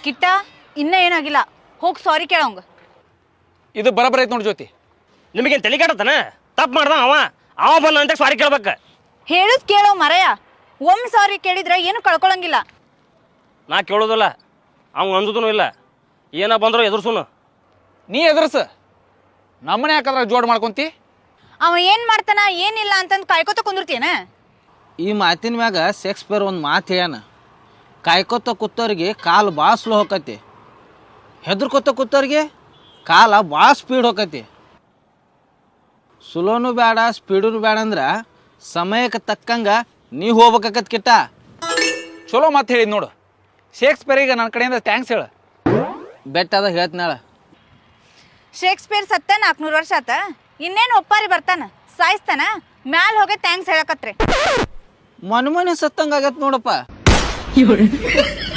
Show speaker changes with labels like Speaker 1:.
Speaker 1: ಕಿಟ್ಟ ಇನ್ನ ಏನಾಗಿಲ್ಲ, ಹೋಗಿ ಸಾರಿ ಕೇಳೋಂಗ.
Speaker 2: ಇದು ಬರಬರ ಐತೆ ನೋಡಿ ಜ್ಯೋತಿ.
Speaker 3: ನಿಮಗೇನು ತಲೆ ಕೆಡತಾನ? ತಪ್ಪು ಮಾಡ್ದ ಅವ ಬಂದ ಅಂತ ಸಾರಿ ಕೇಳ್ಬೇಕು.
Speaker 1: ಹೇಳುದ್ ಕೇಳೋ ಮರಯ, ಒಮ್ಮೆ ಸಾರಿ ಕೇಳಿದ್ರೆ ಏನು ಕಳ್ಕೊಳಂಗಿಲ್ಲ.
Speaker 3: ನಾ ಕೇಳೋದಿಲ್ಲ, ಅವ್ ಅಂಜುದೂ ಇಲ್ಲ. ಏನ ಬಂದ್ರು ಎದುರ್ಸುನು.
Speaker 2: ನೀ ಎದುರ್ಸ, ನಮ್ಮನೆ ಯಾಕಂದ್ರೆ ಜೋಡ್ ಮಾಡ್ಕೊಂತಿ.
Speaker 1: ಅವ ಏನ್ ಮಾಡ್ತಾನ ಏನಿಲ್ಲ ಅಂತಂದು ಕಾಯ್ಕೋತ ಕುಂದಿರ್ತೇನ.
Speaker 4: ಈ ಮಾತಿನ ಮ್ಯಾಗ ಶೇಕ್ಸ್ಪಿಯರ್ ಒಂದು ಮಾತು ಹೇಳ್ಯಾನ, ಕಾಯ್ಕೋತ ಕೂತವ್ರಿಗೆ ಕಾಲು ಭಾಳ ಸ್ಲೋ ಹೋಕತಿ, ಹೆದರ್ಕೋತ ಕೂತವ್ರಿಗೆ ಕಾಲ ಭಾಳ ಸ್ಪೀಡ್ ಹೋಕತಿ. ಸ್ಲೋನು ಬೇಡ ಸ್ಪೀಡೂ ಬೇಡ ಅಂದ್ರೆ ಸಮಯಕ್ಕೆ ತಕ್ಕಂಗ ನೀ ಹೋಗ್ಬೇಕಾಕತ್ ಕಿಟ್ಟ.
Speaker 2: ಚಲೋ ಮಾತು ಹೇಳಿದ್ ನೋಡು. ಶೇಕ್ಸ್ಪಿಯರಿಗೆ ನನ್ನ ಕಡೆಯಿಂದ ಥ್ಯಾಂಕ್ಸ್ ಹೇಳು.
Speaker 4: ಬೆಟ್ಟದ ಹೇಳ್ತನಾಳ.
Speaker 1: ಶೇಕ್ಸ್ಪಿಯರ್ ಸತ್ತ 400 ವರ್ಷ ಆತ, ಇನ್ನೇನು ಒಪ್ಪಾರಿ ಬರ್ತಾನ, ಸಾಯಿಸ್ತಾನ, ಮ್ಯಾಲ್ ಹೋಗಿ ಥ್ಯಾಂಕ್ಸ್ ಹೇಳಕತ್ರಿ.
Speaker 4: ಮನೆ ಸತ್ತಂಗ ಆಗತ್ ನೋಡಪ್ಪ.